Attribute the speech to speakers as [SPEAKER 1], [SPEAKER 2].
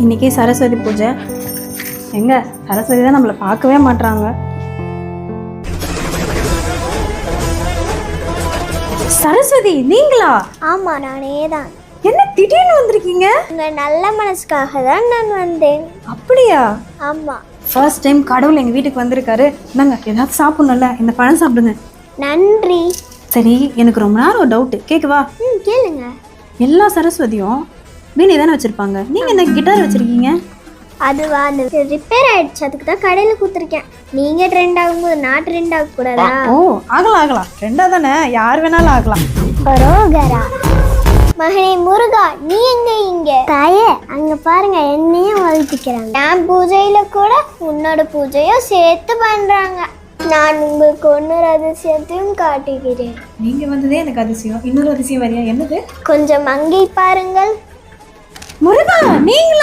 [SPEAKER 1] இன்னைக்கு சரஸ்வதி பூஜை. எங்க சரஸ்வதி தான் நம்மளை பார்க்கவே மாட்றாங்க. சரஸ்வதி நீங்களா?
[SPEAKER 2] ஆமா, நானே தான்.
[SPEAKER 1] என்ன திடீர்னு வந்திருக்கீங்க?
[SPEAKER 2] உங்க நல்ல மனசுக்காக தான் நான் வந்தேன்.
[SPEAKER 1] அப்படியா?
[SPEAKER 2] ஆமா.
[SPEAKER 1] ஃபர்ஸ்ட் டைம் கடவுள் எங்க வீட்டுக்கு வந்திருக்காரு. இந்தாங்க ஏதாவது சாப்பிடணும்ல, இந்த பழம் சாப்பிடுங்க.
[SPEAKER 2] நன்றி.
[SPEAKER 1] சரி, எனக்கு ரொம்ப நேரம் ஒரு டவுட் கேட்கவா?
[SPEAKER 2] கேளுங்க.
[SPEAKER 1] எல்லா சரஸ்வதியும் வீணை தானே வச்சிருப்பாங்க, நீங்க என்ன கிட்டார் வச்சிருக்கீங்க?
[SPEAKER 2] அதுவா, அந்த ரிப்பேர் ஆயிடுச்சு, அதுக்கு தான் கடையில் கொடுத்துருக்கேன். நீங்க ட்ரெண்ட் ஆகும்போது நான் ட்ரெண்ட் ஆக கூடாதா?
[SPEAKER 1] ஓ, ஆகலாம் ரெண்டா தானே, யார் வேணாலும் ஆகலாம்.
[SPEAKER 2] பரோகரா. மகனே முருகா, நீ எங்க இங்க? தாயே, அங்க பாருங்க, என்னையும் வாழ்த்துக்கிறாங்க. என் பூஜையில கூட உன்னோட பூஜையும் சேர்த்து பண்றாங்க. நான் உங்களுக்கு ஒன்னொரு அதிசயத்தையும் காட்டுகிறேன்.
[SPEAKER 1] நீங்க வந்ததே எனக்கு அதிசயம். இன்னொரு அதிசயம் வரியா? என்னது?
[SPEAKER 2] கொஞ்சம் அங்கே பாருங்கள்.
[SPEAKER 1] முருகா நீங்களா?